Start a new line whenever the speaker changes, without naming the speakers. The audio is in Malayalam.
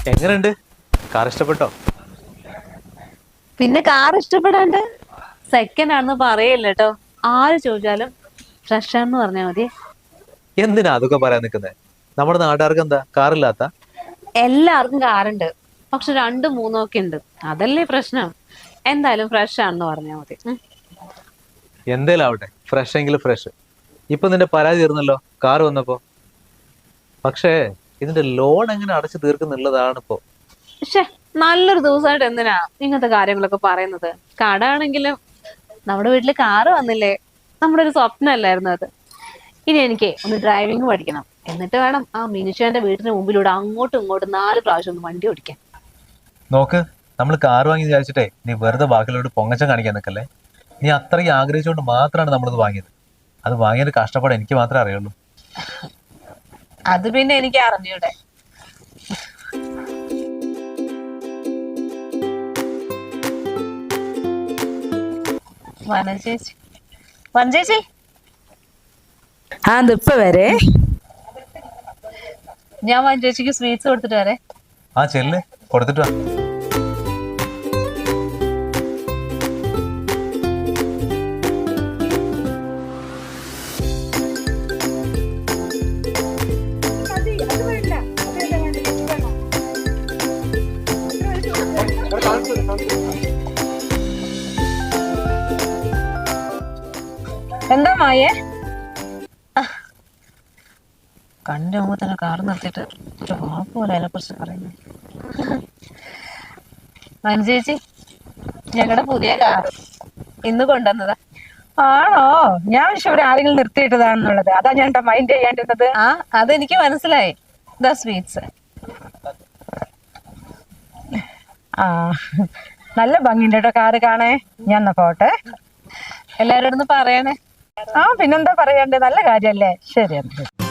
എങ്ങനെയുണ്ട്? കാർ ഇഷ്ടപ്പെട്ടോ?
പിന്നെ കാർ ഇഷ്ടപ്പെടാണ്ട് സെക്കൻഡ് ആണെന്ന് പറയില്ല കേട്ടോ. ആര് ചോദിച്ചാലും ഫ്രഷ് ആണെന്ന് പറഞ്ഞാൽ മതി.
എന്തിനാ അതൊക്കെ പറയാൻ നിൽക്കുന്നത്? നമ്മുടെ നാട്ടുകാർക്ക് എന്താ കാറില്ലാത്ത?
എല്ലാവർക്കും കാറുണ്ട്, പക്ഷെ രണ്ടും മൂന്നും ഒക്കെ ഉണ്ട്. അതല്ലേ പ്രശ്നം. എന്തായാലും ഫ്രഷ് ആണെന്ന് പറഞ്ഞാൽ മതി.
എന്തേലും ആവട്ടെ, ഫ്രഷ് എങ്കിലും ഫ്രഷ്. ഇപ്പൊ നിന്റെ പരാതി തീർന്നല്ലോ കാർ വന്നപ്പോ. പക്ഷേ ഇതിന്റെ ലോൺ എങ്ങനെ അടച്ചു തീർക്കുന്നുള്ളതാണ് ഇപ്പോ.
പക്ഷെ നല്ലൊരു ദിവസമായിട്ട് എന്തിനാ ഇങ്ങനത്തെ കാര്യങ്ങളൊക്കെ പറയുന്നത്? കട ആണെങ്കിലും നമ്മുടെ വീട്ടില് കാറ് വന്നില്ലേ, നമ്മുടെ ഒരു സ്വപ്നമല്ലായിരുന്നു അത്. ഇനി എനിക്ക് ഒന്ന് ഡ്രൈവിംഗ് പഠിക്കണം, എന്നിട്ട് വേണം ആ മിനിഷാന്റെ വീടിന് മുമ്പിലൂടെ അങ്ങോട്ടും ഇങ്ങോട്ടും 4 പ്രാവശ്യം ഒന്ന് വണ്ടി ഓടിക്കാൻ.
നോക്ക്, നമ്മൾ കാർ വാങ്ങി വിചാരിച്ചിട്ടേ നീ വെറുതെ ബാക്കിലോട്ട് പൊങ്ങച്ചം കാണിക്കാൻ നിൽക്കല്ലേ. നീ അത്രയും ആഗ്രഹിച്ചുകൊണ്ട് മാത്രമാണ് നമ്മളിത് വാങ്ങിയത്. അത് വാങ്ങിയൊരു കഷ്ടപ്പാട് എനിക്ക് മാത്രമേ അറിയുള്ളൂ.
അത് പിന്നെ എനിക്ക് അറിഞ്ഞൂടെ. വനചേച്ചി, വനചേച്ചി,
ഇപ്പൊ വരെ
ഞാൻ വനചേച്ചിക്ക് സ്വീറ്റ്സ് കൊടുത്തിട്ട് വരെ.
ആ ചെല്ല്, കൊടുത്തിട്ട് വാ.
എന്താ മായേ?
കണ്ടു മുമ്പ് തന്നെ കാർ നിർത്തിയിട്ട് ഒരു വാക്കുപോലെ അതിനെ കുറിച്ച് പറയുന്നു. വനചേച്ചി, ഞങ്ങളുടെ പുതിയ കാർ ഇന്ന് കൊണ്ടുവന്നതാ.
ആണോ? ഞാൻ പക്ഷെ ഇവിടെ ആരെങ്കിലും നിർത്തിയിട്ടതാണെന്നുള്ളത്, അതാ ഞാൻ മൈൻഡ് ചെയ്യാണ്ടിരുന്നത്.
ആ, അതെനിക്ക് മനസ്സിലായി. ദാ സ്വീറ്റ്സ്.
ആ, നല്ല ഭംഗിയുണ്ട് കേട്ടോ കാറ് കാണേ. ഞാൻ എന്നാ പോട്ടെ.
എല്ലാവരോടൊന്ന് പറയണേ.
പിന്നെന്താ പറയണ്ടേ, നല്ല കാര്യല്ലേ. ശരി.